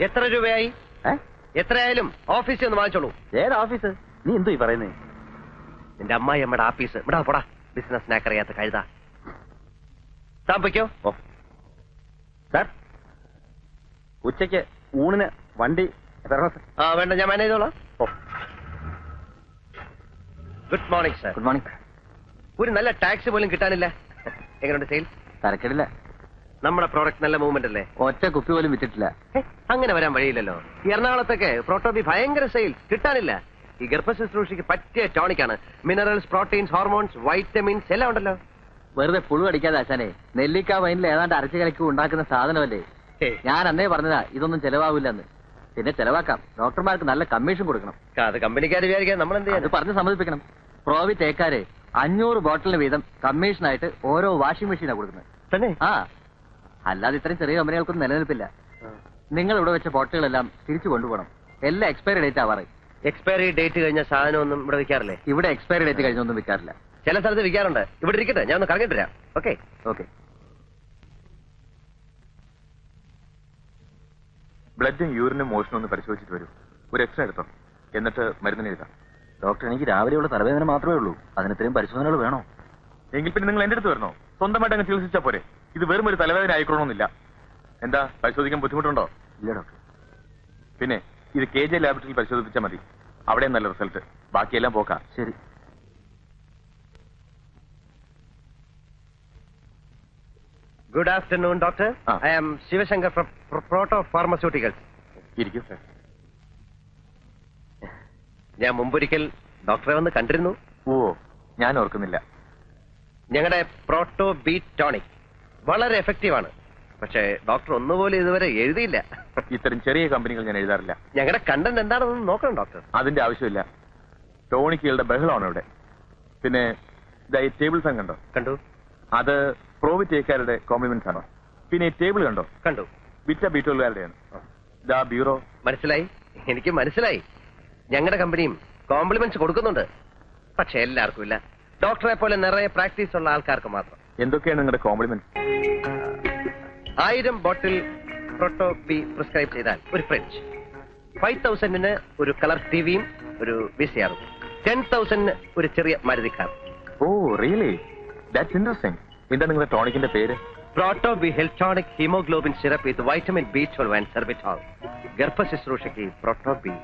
എത്ര രൂപയായി? എത്രയായാലും ഓഫീസിൽ ഒന്ന് വാങ്ങിച്ചോളൂ. ഏത് ഓഫീസ്? നീ എന്തോ ഈ പറയുന്നേ? എന്റെ അമ്മായി അമ്മയുടെ ആഫീസ്. ഇവിടെ പോടാ, ബിസിനസ് സ്നാക്ക് അറിയാത്ത കഴുതാ. താമസിക്കോ? ഓ സാർ, ഉച്ചയ്ക്ക് ഊണിന് വണ്ടി വേണ്ട, ഞാൻ മാനേജ് ചെയ്തോളാം. Good morning sir. Good morning. ഒരു നല്ല ടാക്സി പോലും കിട്ടാനില്ല. എങ്ങനെയുണ്ട് സെയിൽ? തരക്കേടില്ല. നമ്മുടെ പ്രോഡക്റ്റ് നല്ല മൂവ്മെന്റ് അല്ലേ? ഒറ്റ കുപ്പി പോലും വിറ്റിട്ടില്ല. അങ്ങനെ വരാൻ വഴിയില്ലല്ലോ. ഈ എറണാകുളത്തൊക്കെ പ്രോട്ടോബി ഭയങ്കര സെയിൽ, കിട്ടാനില്ല. ഈ ഗർഭശുശ്രൂഷയ്ക്ക് പറ്റിയ ടോണിക്കാണ്. മിനറൽസ്, പ്രോട്ടീൻസ്, ഹോർമോൺസ്, വൈറ്റമിൻസ് എല്ലാം ഉണ്ടല്ലോ. വെറുതെ പുഴു അടിക്കാതെ ആശാനെ, നെല്ലിക്ക വൈനിൽ ഏതാണ്ട് അരച്ചു കലക്കി ഉണ്ടാക്കുന്ന സാധനമല്ലേ. ഞാൻ അന്നേ പറഞ്ഞതാ ഇതൊന്നും ചെലവാവില്ലെന്ന്. പിന്നെ ചെലവാക്കാം, ഡോക്ടർമാർക്ക് നല്ല കമ്മീഷൻ കൊടുക്കണം. അത് കമ്പനിക്കാർ വിചാരിക്കാൻ നമ്മൾ എന്ത് ചെയ്യാൻ? പറഞ്ഞ് സമ്മതിപ്പിക്കണം. പ്രോവി തേക്കാര് 500 ബോട്ടിലിന് വീതം കമ്മീഷനായിട്ട് ഓരോ വാഷിംഗ് മെഷീനാണ് കൊടുക്കുന്നത്. തന്നെ? ആ, അല്ലാതെ ഇത്രയും ചെറിയ കമ്പനികൾക്കൊന്നും നിലനിൽപ്പില്ല. നിങ്ങൾ ഇവിടെ വെച്ച ബോട്ടിലുകളെല്ലാം തിരിച്ചു കൊണ്ടുപോകണം. എല്ലാം എക്സ്പയറി ഡേറ്റ് ആവാറ്. എക്സ്പയറി ഡേറ്റ് കഴിഞ്ഞ സാധനം ഒന്നും ഇവിടെ വിൽക്കാറില്ലേ? ഇവിടെ എക്സ്പയറി ഡേറ്റ് കഴിഞ്ഞൊന്നും വിൽക്കാറില്ല. ചില സ്ഥലത്ത് വിൽക്കാറുണ്ട്. ഇവിടെ ഇരിക്കട്ടെ, ഞാൻ ഒന്ന് കറങ്ങിട്ട് തരാം. Okay okay. ബ്ലഡും യൂറിനും മോഷനും ഒന്ന് പരിശോധിച്ചിട്ട് വരൂ. ഒരു എക്സ്ട്രാ എടുത്തോ, എന്നിട്ട് മരുന്നിന് എഴുതാം. ഡോക്ടർ, എനിക്ക് രാവിലെയുള്ള തലവേദന മാത്രമേ ഉള്ളൂ. അതിന് ഇത്രയും പരിശോധനകൾ വേണോ? എങ്കിൽ പിന്നെ നിങ്ങൾ എന്റെ അടുത്ത് വരണോ? സ്വന്തമായിട്ട് അങ്ങ് ചികിത്സിച്ചാൽ പോരെ. ഇത് വെറും ഒരു തലവേദന ആയിക്കണമെന്നില്ല. എന്താ, പരിശോധിക്കാൻ ബുദ്ധിമുട്ടുണ്ടോ? ഇല്ല ഡോക്ടർ. പിന്നെ ഇത് KJ ലാബറട്ടറിയിൽ പരിശോധിച്ചാൽ മതി. അവിടെ നല്ല റിസൾട്ട്. ബാക്കിയെല്ലാം പോക്കാം. ശരി. Good afternoon doctor. I am Shivashankar from Proto pharmaceuticals. ഇരിക്കും സാർ. ഞാൻ മുമ്പൊരിക്കൽ ഡോക്ടറെ വന്ന് കണ്ടിരുന്നു. ഓ, ഞാൻ ഓർക്കുന്നില്ല. ഞങ്ങളുടെ പ്രോട്ടോ ബീറ്റ് ടോണിക് വളരെ എഫക്റ്റീവാണ്. പക്ഷേ ഡോക്ടർ ഒന്നുപോലെ ഇതുവരെ എഴുതിയില്ല. ഇത്തരം ചെറിയ കമ്പനികൾ ഞാൻ എഴുതാറില്ല. ഞങ്ങളുടെ കണ്ടന്റ് എന്താണെന്ന് നോക്കണം ഡോക്ടർ. അതിന്റെ ആവശ്യമില്ല. ടോണിക്കുകളുടെ ബഹളമാണ് ഇവിടെ. പിന്നെ ഈ ടേബിൾ ഫാൻ കണ്ടോ? കണ്ടു. അത് പ്രോവിറ്റേക്കാരുടെ കോംപ്ലിമെന്റ്സ് ആണോ? പിന്നെ ഈ ടേബിൾ കണ്ടോ? കണ്ടു. വിറ്റ ബീറ്റോളുകാരുടെയാണ്. ദാ ബ്യൂറോ. മനസ്സിലായി, എനിക്ക് മനസ്സിലായി. ഞങ്ങളുടെ കമ്പനിയും കോംപ്ലിമെന്റ്സ് കൊടുക്കുന്നുണ്ട്. പക്ഷെ എല്ലാവർക്കും ഇല്ല. ഡോക്ടറെ പോലെ നിറയെ പ്രാക്ടീസ് ഉള്ള ആൾക്കാർക്ക് മാത്രം. എന്തൊക്കെയാണ് നിങ്ങളുടെ compliments? 1000 bottle Proto B prescribe ചെയ്താൽ ഒരു ഫ്രിഡ്ജ്, 5000-ന് ഒരു കളർ ടിവിയും ഒരു VCR-ഉം, 10,000-ന് ഒരു ചെറിയ Maruti car. Oh really, that's interesting. എന്താ നിങ്ങളുടെ ടോണിക്കിന്റെ പേര്? Proto B Heltonic haemoglobin syrup with vitamin B12 and sorbitol. ഗർഭശുശ്രൂഷയ്ക്ക് പ്രോട്ടോ ബി.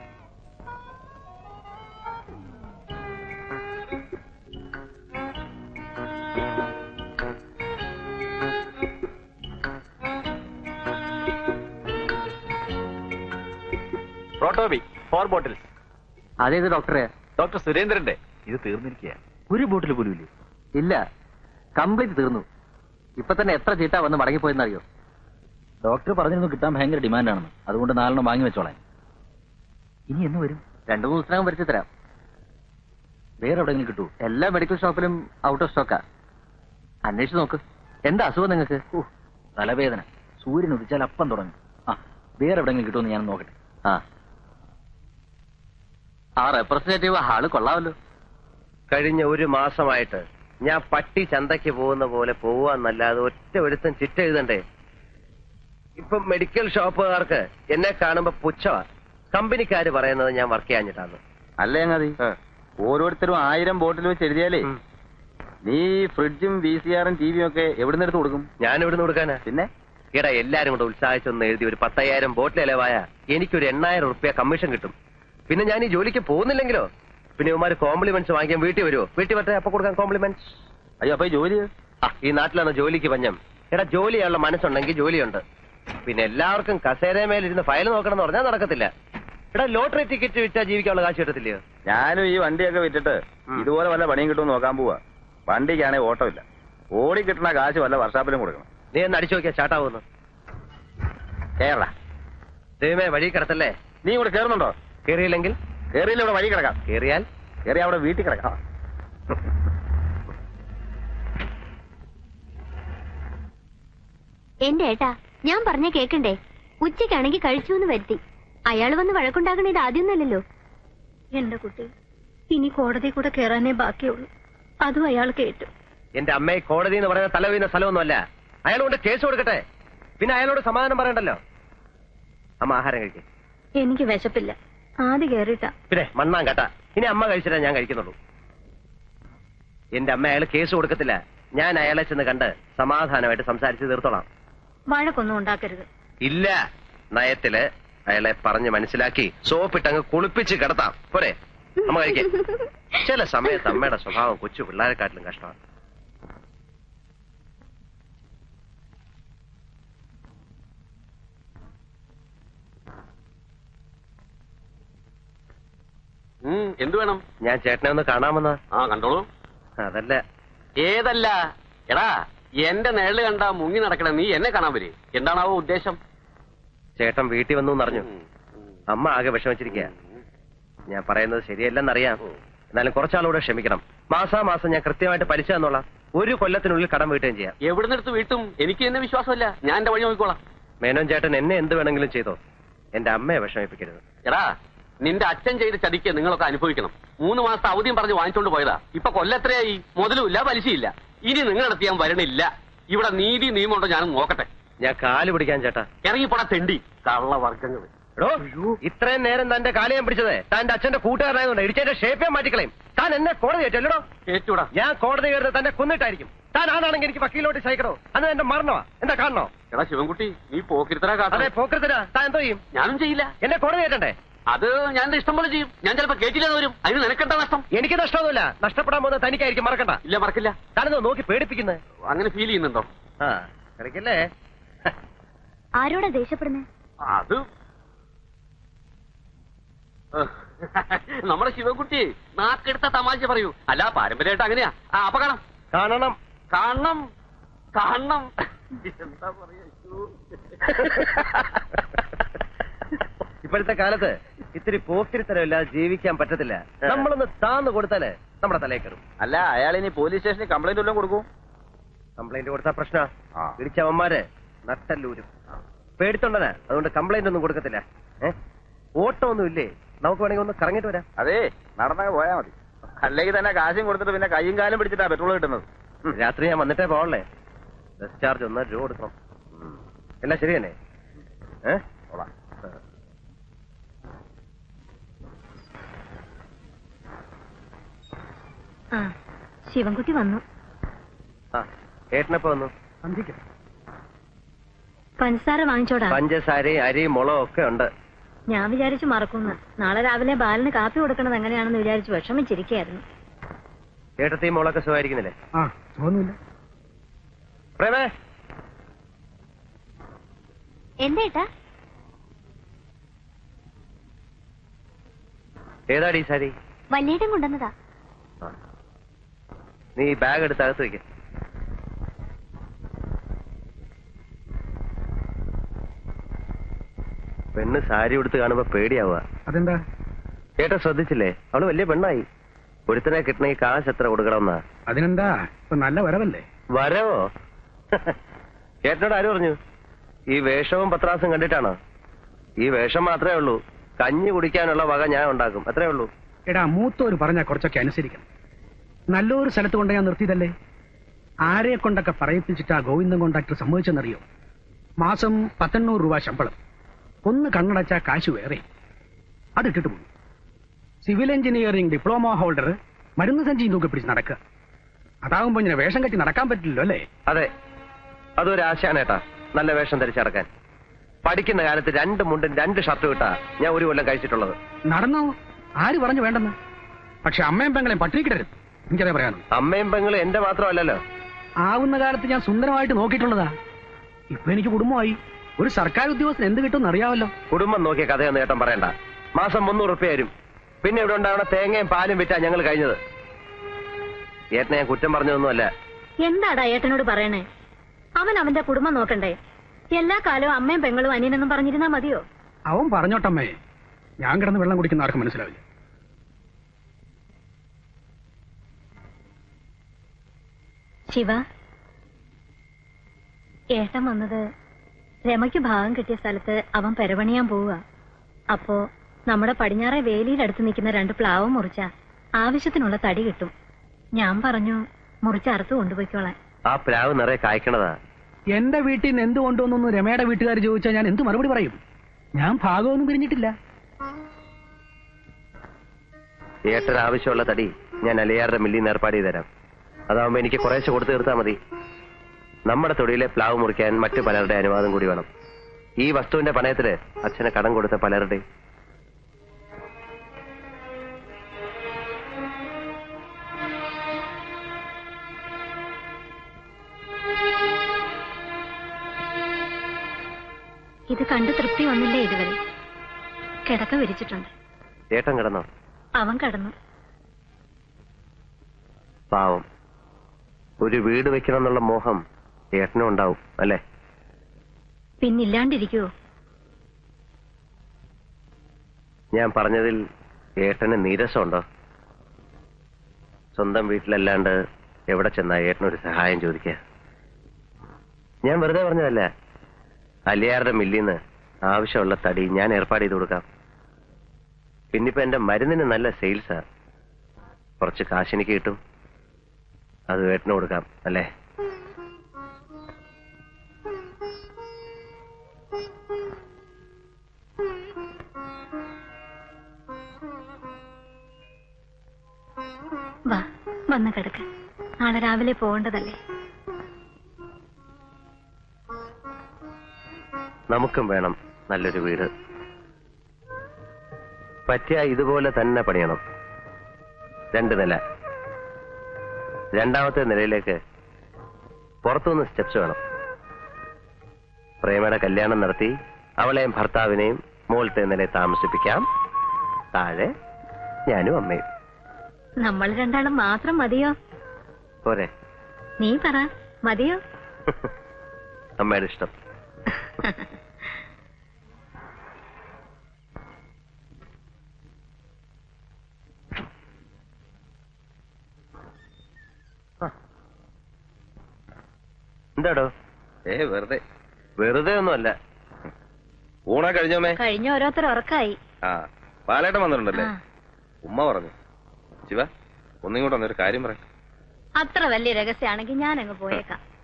Proto B 4 bottles. അതേത് ഡോക്ടറെ? ഡോക്ടർ സുരേന്ദ്രന്റെ. ഇത് തീർന്നിരിക്കുക. ഒരു ബോട്ടിൽ പോലും ഇല്ലേ? ഇല്ല, കംപ്ലീറ്റ് തീർന്നു. ഇപ്പൊ തന്നെ എത്ര ചീട്ടാ വന്ന് മടങ്ങിപ്പോയെന്നറിയോ? ഡോക്ടർ പറഞ്ഞിരുന്നു കിട്ടാൻ ഭയങ്കര ഡിമാൻഡാണെന്ന്. അതുകൊണ്ട് 4 വാങ്ങി വെച്ചോളാൻ. ഇനി എന്ന് വരും? 2-3 ദിവസത്തിനകം വരുത്തി തരാം. വേറെ എവിടെയെങ്കിലും കിട്ടൂ? എല്ലാ മെഡിക്കൽ ഷോപ്പിലും ഔട്ട് ഓഫ് സ്റ്റോക്കാ. അന്വേഷിച്ച് നോക്ക്. എന്താ അസുഖം നിങ്ങൾക്ക്? തലവേദന. സൂര്യൻ ഉദിച്ചാൽ അപ്പം തുടങ്ങും. ആ, വേറെ എവിടെയെങ്കിലും കിട്ടുമെന്ന് ഞാൻ നോക്കട്ടെ. ആ റെപ്രസെന്റേറ്റീവ് ആള് കൊള്ളാമല്ലോ. കഴിഞ്ഞ 1 മാസമായിട്ട് ഞാൻ പട്ടി ചന്തയ്ക്ക് പോകുന്ന പോലെ പോവാന്നല്ലാതെ ഒറ്റ ഒരുത്തം ചിറ്റ എഴുതണ്ടേ. ഇപ്പൊ മെഡിക്കൽ ഷോപ്പുകാർക്ക് എന്നെ കാണുമ്പോ പുച്ഛമാ. കമ്പനിക്കാര് പറയുന്നത് ഞാൻ വർക്ക് ചെയ്യാഞ്ഞിട്ടാണ്. അല്ലേ അങ്ങതി, ഓരോരുത്തരും 1000 ബോട്ടിൽ വെച്ച് എഴുതിയാലേ നീ ഫ്രിഡ്ജും VCR-ഉം TV-യും ഒക്കെ എവിടുന്ന് എടുത്ത് കൊടുക്കും? ഞാൻ എവിടുന്ന് കൊടുക്കാനാ? പിന്നെ ഈടാ എല്ലാരും കൂടെ ഉത്സാഹിച്ചൊന്ന് എഴുതി ഒരു 10,000 ബോട്ടിൽ ഇലവായ എനിക്കൊരു 8,000 റുപ്യ കമ്മീഷൻ കിട്ടും. പിന്നെ ഞാൻ ഈ ജോലിക്ക് പോകുന്നില്ലെങ്കിലോ? പിന്നെ ഇവന്മാര് കോംപ്ലിമെന്റ്സ് വാങ്ങിക്കാൻ വീട്ടിൽ വരുമോ? വീട്ടിൽ വരട്ടെ, അപ്പൊ കൊടുക്കാൻ കോംപ്ലിമെന്റ്സ്. അയ്യോ, അപ്പൊ ഈ ജോലി? ഈ നാട്ടിലാണ് ജോലിക്ക് പഞ്ഞം. എടാ, ജോലി ചെയ്യാനുള്ള മനസ്സുണ്ടെങ്കിൽ ജോലിയുണ്ട്. പിന്നെ എല്ലാവർക്കും കസേരമേലിരുന്ന് ഫയൽ നോക്കണം എന്ന് പറഞ്ഞാൽ നടക്കത്തില്ല. എടാ, ലോട്ടറി ടിക്കറ്റ് വിറ്റാ ജീവിക്കാനുള്ള കാശ് കിട്ടത്തില്ലയോ? ഞാനും ഈ വണ്ടിയൊക്കെ വിറ്റിട്ട് ഇതുപോലെ വല്ല പണിയും കിട്ടുമെന്ന് നോക്കാൻ പോവാ. വണ്ടിക്കാണെങ്കിൽ ഓട്ടമില്ല. ഓടി കിട്ടുന്ന കാശ് വല്ല വർഷാപ്പിലും കൊടുക്കണം. നീ ഒന്ന് അടിച്ചു നോക്കിയാ ചാട്ടാവുന്നു. കേരള ദൈവമേ, വഴി കിടത്തല്ലേ. നീ ഇവിടെ കയറുന്നുണ്ടോ? കേറിയില്ലെങ്കിൽ? കേറിയില്ല, ഇവിടെ വഴി കിടക്കാം. കേറിയാൽ? കേറി അവിടെ വീട്ടിൽ കിടക്കാം. എന്റെ ഏട്ടാ, ഞാൻ പറഞ്ഞ കേക്കണ്ടേ? ഉച്ചയ്ക്കാണെങ്കിൽ കഴിച്ചു എന്ന് വരുത്തി. അയാൾ വന്ന് വഴക്കുണ്ടാക്കണ ഇത് ആദ്യമൊന്നല്ലല്ലോ. എന്റെ കുട്ടി, ഇനി കോടതി കൂടെ കയറാനേ ബാക്കിയുള്ളൂ. അതും അയാൾ കേട്ടു. എന്റെ അമ്മയെ കോടതി എന്ന് പറയുന്ന തല വീഴുന്ന സ്ഥലമൊന്നുമല്ല. അയാൾ കൊണ്ട് കേസ് കൊടുക്കട്ടെ. പിന്നെ അയാളോട് സമാധാനം പറയണ്ടല്ലോ. അമ്മ ആഹാരം കഴിക്കും. എനിക്ക് വിശപ്പില്ല. ആദ്യം കേറിട്ടാ. പിന്നെ മണ്ണാൻ കേട്ടാ. ഇനി അമ്മ കഴിച്ചിട്ടേ ഞാൻ കഴിക്കുന്നുള്ളൂ. എന്റെ അമ്മ അയാൾ കേസ് കൊടുക്കത്തില്ല. ഞാൻ അയാളെ ചെന്ന് കണ്ട് സമാധാനമായിട്ട് സംസാരിച്ച് തീർത്തോളാം. വഴക്കൊന്നും ഉണ്ടാക്കരുത്. ഇല്ല, നയത്തില് അയാളെ പറഞ്ഞ് മനസ്സിലാക്കി സോപ്പിട്ടങ്ങ് കുളിപ്പിച്ച് കിടത്താം. പോരെ? അമ്മ കഴിക്കേ. ചില സമയത്ത് അമ്മയുടെ സ്വഭാവം കൊച്ചു പിള്ളേരെക്കാട്ടിലും കഷ്ടമാണ്. എന്തു വേണം? ഞാൻ ചേട്ടനെ ഒന്ന് കാണാമെന്ന്. ആ കണ്ടോളൂ. അതല്ല. ഏതല്ല? എടാ, എന്റെ നിഴല് കണ്ടാ മുങ്ങി നടക്കണ നീ എന്നെ കാണാൻ വരെ. എന്താണാവോ ഉദ്ദേശം? ചേട്ടൻ വീട്ടിൽ വന്നു എന്നറിഞ്ഞു. അമ്മ ആകെ വിഷമിച്ചിരിക്കുക. ഞാൻ പറയുന്നത് ശരിയല്ലെന്നറിയാം. എന്നാലും കുറച്ചാളൂടെ ക്ഷമിക്കണം. മാസാമാസം ഞാൻ കൃത്യമായിട്ട് പലിശ തന്നോളാം. 1 കൊല്ലത്തിനുള്ളിൽ കടം വീട്ടുകയും ചെയ്യാം. എവിടുന്നെടുത്ത് വീട്ടും? എനിക്ക് എന്നെ വിശ്വാസമല്ല. ഞാൻ എന്റെ വഴി നോക്കിക്കോളാം. മേനോൻ ചേട്ടൻ എന്നെ എന്ത് വേണമെങ്കിലും ചെയ്തോ. എന്റെ അമ്മയെ വിഷമിപ്പിക്കരുത്. എടാ, നിന്റെ അച്ഛൻ ചെയ്ത ചതിക്ക് നിങ്ങളൊക്കെ അനുഭവിക്കണം. 3 മാസത്തെ അവധിയും പറഞ്ഞ് വാങ്ങിച്ചോണ്ട് പോയതാ. ഇപ്പൊ കൊല്ലത്രയായി. മുതലുമില്ല, പലിശയില്ല. ഇനി നിങ്ങളടുത്ത് ഞാൻ വരണില്ല. ഇവിടെ നീതി നിയമമുണ്ടോ ഞാനും നോക്കട്ടെ. ഞാൻ കാല് പിടിക്കാൻ ചേട്ടാ. ഇറങ്ങിപ്പോടാ തെണ്ടി കള്ളവർഗ്ഗങ്ങൾ. എടോ, ഇത്രയും നേരം തന്റെ കാല് ഞാൻ പിടിച്ചത് തന്റെ അച്ഛന്റെ കൂട്ടുകാരനായതുകൊണ്ട് ഇടിച്ചതിന്റെ ഷേപ്പ് ഞാൻ മാറ്റിക്കളയും. താൻ എന്നെ കോടതി കയറ്റല്ലോ. കേറ്റൂടാ. ഞാൻ കോടതി കയറുന്നത് തന്നെ കൊന്നിട്ടായിരിക്കും. താൻ ആണാണെങ്കിൽ എനിക്ക് വക്കീലോട്ട് സഹിക്കണോ? അന്ന് എന്റെ മരണമാ. എന്താ കാണണോ? എടാ ശിവൻകുട്ടി, നീ പോക്കിരുത്തരാ കാട്ടെ. അതെ, പോക്കരുത്തരാ. താൻ എന്തോ ചെയ്യും? ഞാനും ചെയ്യില്ല. എന്നെ കോടതി കയറ്റണ്ടേ? അത് ഞാൻ എന്റെ ഇഷ്ടം പോലെ ചെയ്യും. ഞാൻ ചിലപ്പോ കേട്ടില്ലെന്ന് വരും. അതിന് നിനക്കെന്താ നഷ്ടം? എനിക്ക് നഷ്ടമൊന്നുമില്ല. നഷ്ടപ്പെടാൻ പോകുന്നത് തനിക്കായിരിക്കും. മറക്കണ്ട. ഇല്ല, മറക്കില്ല. താനെന്തോ നോക്കി പേടിപ്പിക്കുന്നത്? അങ്ങനെ ഫീൽ ചെയ്യുന്നുണ്ടോ? ആ, കളിക്കല്ലേ. ആരോടാ ദേഷ്യപ്പെടുന്നേ? അത് നമ്മുടെ ശിവൻകുട്ടി നാക്കെടുത്ത തമാശ പറയൂ. അല്ല, പാരമ്പര്യമായിട്ട് അങ്ങനെയാ. അപ്പൊ കാണാം. കാണണം. കാണണം. കാണണം. എന്താ പറയാ? ഇപ്പോഴത്തെ കാലത്ത് ഇത്തിരി പോക്കിരിത്തരമില്ലാതെ ജീവിക്കാൻ പറ്റത്തില്ല. നമ്മളൊന്ന് താന്ന് കൊടുത്താല് നമ്മുടെ തലയിൽ കയറും. അല്ല, അയാൾ ഇനി പോലീസ് സ്റ്റേഷനിൽ കംപ്ലൈന്റ് വല്ലതും കൊടുക്കും? കംപ്ലൈന്റ് കൊടുത്താ പ്രശ്ന. ഇടിച്ചവന്മാര് നട്ടല്ലൂരും. പേടിത്തൊണ്ടനാ. അതുകൊണ്ട് കംപ്ലൈന്റ് ഒന്നും കൊടുക്കത്തില്ല. ഓട്ടം ഒന്നും ഇല്ലേ? നമുക്ക് വേണമെങ്കിൽ ഒന്ന് കറങ്ങിട്ട് വരാം. അതെ, നടന്നങ്ങ് പോയാ മതി. അല്ലെങ്കിൽ തന്നെ കാശും കൊടുത്തിട്ട് പിന്നെ കയ്യും കാലും പിടിച്ചിട്ടാ പെട്രോൾ കിട്ടുന്നത്. രാത്രി ഞാൻ വന്നിട്ടേ പോകണല്ലേ. ബസ് ചാർജ് 1 രൂപ കൊടുക്കണം. എല്ലാം ശരി തന്നെ. ശിവൻകുട്ടി വന്നു. ഏട്ടനപ്പോ വന്നു. പഞ്ചസാര വാങ്ങിച്ചോടാ. പഞ്ചസാരയും അരിയും മുളകും ഒക്കെ ഉണ്ട്. ഞാൻ വിചാരിച്ചു മറക്കുന്നു. നാളെ രാവിലെ ബാലന് കാപ്പി കൊടുക്കണത് എങ്ങനെയാണെന്ന് വിചാരിച്ചു വിഷമിച്ചിരിക്കുകയായിരുന്നു. ഏട്ടത്തെയും മോളൊക്കെ സുഖമായിരിക്കുന്നില്ലേ? പ്രേമേ, എന്തേട്ടാ? ഏതാടി ഈ സാരി? വല്യേട്ടൻ കൊണ്ടുവന്നതാ. നീ ബാഗ് എടുത്ത് അകത്ത് വയ്ക്ക. പെണ്ണ് സാരി ഉടുത്ത് കാണുമ്പോ പേടിയാവുക. അതെന്താ? ഏട്ടാ ശ്രദ്ധിച്ചില്ലേ? അവള് വലിയ പെണ്ണായി. ഒരുത്തനെ കിട്ടണമെങ്കിൽ കാശ് എത്ര കൊടുക്കണമെന്നാ? അതിനെന്താ, ഇപ്പൊ നല്ല വരവല്ലേ? വരവോ? ഏട്ടനോട് ആര് പറഞ്ഞു? ഈ വേഷവും പത്രാസും കണ്ടിട്ടാണോ? ഈ വേഷം മാത്രമേ ഉള്ളൂ. കഞ്ഞി കുടിക്കാനുള്ള വക ഞാൻ ഉണ്ടാക്കും, അത്രേ ഉള്ളൂ. എടാ, മൂത്തോര് പറഞ്ഞാൽ കുറച്ചൊക്കെ അനുസരിക്കണം. നല്ലൊരു സ്ഥലത്ത് കൊണ്ട് ഞാൻ നിർത്തിയതല്ലേ. ആരെ കൊണ്ടൊക്കെ പറയിപ്പിച്ചിട്ടാ ഗോവിന്ദൻ കോൺട്രാക്ടർ സമ്മതിച്ചെന്നറിയോ? മാസം 1800 രൂപ ശമ്പളം. ഒന്ന് കണ്ണടച്ചാ കാശ് വേറെ. അതിട്ടിട്ട് പോകും. സിവിൽ എഞ്ചിനീയറിംഗ് ഡിപ്ലോമ ഹോൾഡർ മരുന്ന് സഞ്ചിയും തൂക്കി പിടിച്ച് നടക്കുക. അതാകുമ്പോ ഇങ്ങനെ വേഷം കെട്ടി നടക്കാൻ പറ്റില്ലല്ലോ അല്ലേ? അതെ, അതൊരു ആശയാണ് ഏട്ടാ, നല്ല വേഷം ധരിച്ചടക്കാൻ. പഠിക്കുന്ന കാലത്ത് 2 മുണ്ടും 2 ഷർട്ടും ഇട്ടാ ഞാൻ 1 കൊല്ലം കഴിച്ചിട്ടുള്ളത്. നടന്നോ? ആര് പറഞ്ഞു വേണ്ടെന്ന്? പക്ഷെ അമ്മയും പെങ്ങളെയും പട്ടിണിക്കിടരുത്, എനിക്കതേ പറയാനുള്ളൂ. അമ്മയും പെങ്ങളും എന്റെ മാത്രമല്ലല്ലോ. ആവുന്ന കാലത്ത് ഞാൻ സുന്ദരമായിട്ട് നോക്കിയിട്ടുള്ളതാ. ഇപ്പൊ എനിക്ക് കുടുംബമായി. ഒരു സർക്കാർ ഉദ്യോഗസ്ഥൻ എന്ത് കിട്ടുമെന്ന് അറിയാമല്ലോ. കുടുംബം നോക്കിയ കഥയൊന്നും ഏട്ടൻ പറയണ്ട. മാസം 300 റുപ്യ വരും. പിന്നെ ഇവിടെ ഉണ്ടാവണ തേങ്ങയും പാലും വിറ്റാ ഞങ്ങൾ കഴിഞ്ഞത്. ഏട്ടനെ ഞാൻ കുറ്റം പറഞ്ഞതൊന്നുമല്ല. എന്താടാ ഏട്ടനോട് പറയണേ? അവൻ അവന്റെ കുടുംബം നോക്കണ്ടേ? എല്ലാ കാലവും അമ്മയും പെങ്ങളും അനിയനെന്നും പറഞ്ഞിരുന്നാ മതിയോ? അവൻ പറഞ്ഞോട്ടമ്മേ, ഞാൻ കിടന്ന് വെള്ളം കുടിക്കുന്ന ആർക്കും മനസ്സിലാവില്ല. ശിവ, ഏട്ടൻ വന്നത് രമയ്ക്ക് ഭാഗം കിട്ടിയ സ്ഥലത്ത് അവൻ പെരപണിയാൻ പോവുക. അപ്പോ നമ്മുടെ പടിഞ്ഞാറെ വേലിയിലടുത്ത് നിൽക്കുന്ന 2 പ്ലാവ് മുറിച്ച ആവശ്യത്തിനുള്ള തടി കിട്ടും. ഞാൻ പറഞ്ഞു മുറിച്ചറുത്ത് കൊണ്ടുപോയിക്കോളാൻ. ആ പ്ലാവ് നിറയെ കായ്ക്കണതാ. എന്റെ വീട്ടിൽ നിന്ന് എന്ത് കൊണ്ടുവന്നു രമയുടെ വീട്ടുകാർ ചോദിച്ചാൽ ഞാൻ എന്ത് മറുപടി പറയും? ഞാൻ ഭാഗമൊന്നും പിരിഞ്ഞിട്ടില്ല. ഏട്ടന് ആവശ്യമുള്ള തടി ഞാൻ അലിയാറുടെ മില്ലിൽ നിന്ന് ഏർപ്പാട് ചെയ്ത് തരാം. അതാവുമ്പോ എനിക്ക് കുറേശ്ശെ കൊടുത്തു തീർത്താൽ മതി. നമ്മുടെ തൊടിയിലെ പ്ലാവ് മുറിക്കാൻ മറ്റു പലരുടെ അനുവാദം കൂടി വേണം. ഈ വസ്തുവിന്റെ പണയത്തില് അച്ഛന് കടം കൊടുത്ത പലരുടെ. ഇത് കണ്ട് തൃപ്തി വന്നില്ലേ ഇതുവരെ? കിടക്ക വിരിച്ചിട്ടുണ്ട്. ഏട്ടൻ കിടന്നോ? അവൻ കടന്നു. പാവം. ഒരു വീട് വെക്കണം എന്നുള്ള മോഹം ഏട്ടനും ഉണ്ടാവും അല്ലേ? പിന്നില്ലാണ്ടിരിക്കുവോ? ഞാൻ പറഞ്ഞതിൽ ഏട്ടന് നീരസമുണ്ടോ? സ്വന്തം വീട്ടിലല്ലാണ്ട് എവിടെ ചെന്നാ ഏട്ടനൊരു സഹായം ചോദിക്കുക? ഞാൻ വെറുതെ പറഞ്ഞതല്ല. അലിയാറുടെ മില്ലിന്ന് ആവശ്യമുള്ള തടി ഞാൻ ഏർപ്പാട് ചെയ്ത് കൊടുക്കാം. പിന്നിപ്പോ എന്റെ മരുന്നിന് നല്ല സെയിൽസാ. കുറച്ച് കാശ് എനിക്ക് കിട്ടും. അത് ഏട്ടന് കൊടുക്കാം അല്ലേ? വാ, വന്ന് കിടക്ക്. നാളെ രാവിലെ പോകേണ്ടതല്ലേ? നമുക്കും വേണം നല്ലൊരു വീട്. പറ്റിയ ഇതുപോലെ തന്നെ പണിയണം. 2 നില. 2ാമത്തെ നിലയിലേക്ക് പുറത്തുനിന്ന് സ്റ്റെപ്സ് വേണം. പ്രേമയുടെ കല്യാണം നടത്തി അവളെയും ഭർത്താവിനെയും മുകളിലത്തെ നിലയിൽ താമസിപ്പിക്കാം. താഴെ ഞാനും അമ്മയും. നമ്മൾ രണ്ടാളും മാത്രം മതിയോ? പോരെ? നീ പറ, മതിയോ? അമ്മയുടെ ഇഷ്ടം. എന്താടോ? വെറുതെ ഒന്നുമല്ല. ഊണാ കഴിഞ്ഞോമേ? കഴിഞ്ഞ ഓരോരുത്തർ ഉറക്കായി. പാലേട്ടൻ വന്നിട്ടുണ്ടല്ലേ? ഉമ്മ പറഞ്ഞു. ശിവ, ഒന്നിങ്ങോട്ട് വന്നൊരു കാര്യം പറയാം. അത്ര വലിയ രഹസ്യമാണെങ്കിൽ ഞാൻ അങ്ങ് പോയേക്കാം.